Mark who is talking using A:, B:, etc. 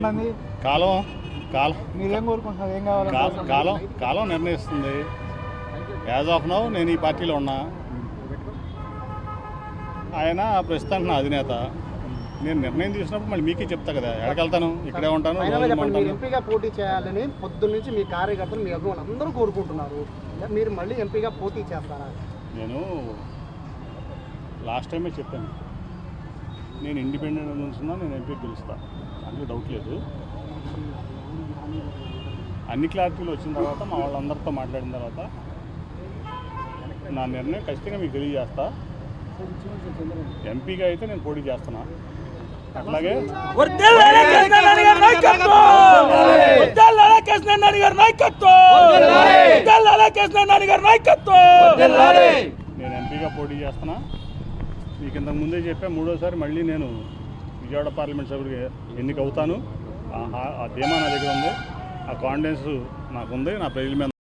A: కాలం కాలం
B: మీరేం కోరుకుంటున్నారు? ఏం కావాలి?
A: కాలం కాలం నిర్ణయిస్తుంది. యాజ్ ఆఫ్ నౌ నేను ఈ పార్టీలో ఉన్నా. ఆయన ప్రస్తుతానికి నా అధినేత. నేను నిర్ణయం తీసుకున్నప్పుడు మళ్ళీ మీకే చెప్తా కదా, ఎక్కడికెళ్తాను, ఇక్కడే ఉంటాను.
B: ఎంపీగా పోటీ చేయాలని పొద్దున్న నుంచి మీ కార్యకర్తలు, మీ అభిమానులు అందరూ కోరుకుంటున్నారు. మీరు మళ్ళీ ఎంపీగా పోటీ చేస్తారా?
A: నేను లాస్ట్ టైమే చెప్పాను, నేను ఇండిపెండెంట్ నుంచున్నా, నేను ఎంపీ గెలుస్తాను, అందులో డౌట్ లేదు. అన్ని క్లారిటీలు వచ్చిన తర్వాత మా వాళ్ళందరితో మాట్లాడిన తర్వాత నా నిర్ణయం ఖచ్చితంగా మీకు తెలియజేస్తా. ఎంపీగా అయితే నేను పోటీ చేస్తున్నా. అట్లాగే నేను ఎంపీగా పోటీ చేస్తున్నా. మీకు ఇంతకు ముందే చెప్పా, మూడోసారి మళ్ళీ నేను విజయవాడ పార్లమెంట్ సభ్యుడిగా ఎన్నిక అవుతాను. ఆ ధీమా నా దగ్గర ఉంది, ఆ కాన్ఫిడెన్స్ నాకు ఉంది. నా ప్రజల మీద